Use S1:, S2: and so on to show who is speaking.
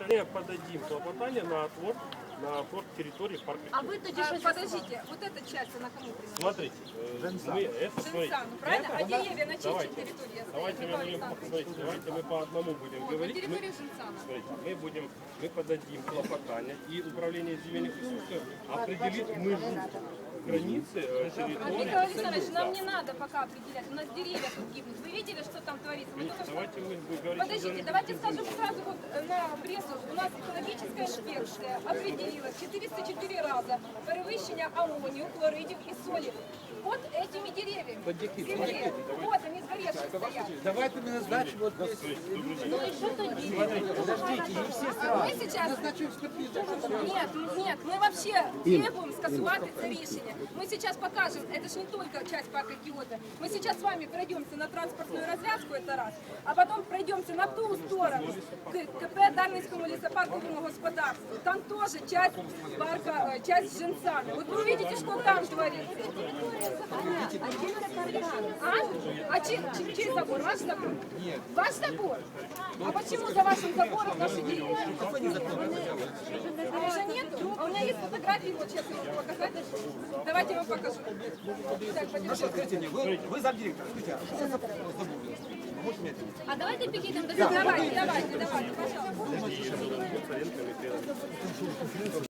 S1: Мы подадим клопотание на оплот территории парка.
S2: А вы тоді щось подождите, вот эта часть, она кому принадлежит?
S1: Смотрите, мы это, смотрите.
S2: Женсану, правильно? А деревья на чьей территории?
S1: Давайте мы по одному будем
S2: На
S1: говорить.
S2: территории Женсана.
S1: Смотрите, мы подадим клопотание, и управление земельных ресурсов определит межу границы территории.
S2: Михаил Александрович, нам не надо пока определять, у нас деревья тут гибнут. Вы видели, что там творится? Мы только что...
S1: Давайте мы говорим.
S2: Подождите, давайте скажем сразу вот на прессу. У нас экологическая инспекция определила 404 раза перевищення аммонию, хлоридів и соли под этими деревьями. Земле. Вот они сгоревшие стоят.
S3: Давайте мы назначим вот здесь.
S2: Ну и что тоді?
S3: Подождите, не все сразу.
S2: Мы сейчас...
S3: Назначу экспертизу.
S2: Нет, мы вообще требуем скасувати це рішення. Мы сейчас покажем, это же не только часть парка Киото. Мы сейчас с вами пройдемся на транспортную развязку, это раз, а потом пройдемся на ту сторону, к КП Дарницкому лесопарковому господарству. Там тоже часть парка, часть Женсана. Вот вы увидите, что там творится. А чей забор? Ваш забор? Нет. Ваш забор? А почему за вашим забором наши деревья? А уже нету? А у меня есть фотографии, вот сейчас я могу показать. Давайте я вам покажу. Так, пойдем.
S3: Скажите мне, вы замдиректор, скажите, а что это за забор? Можете мне ответить?
S2: А давайте перейдем до... Давайте, пожалуйста.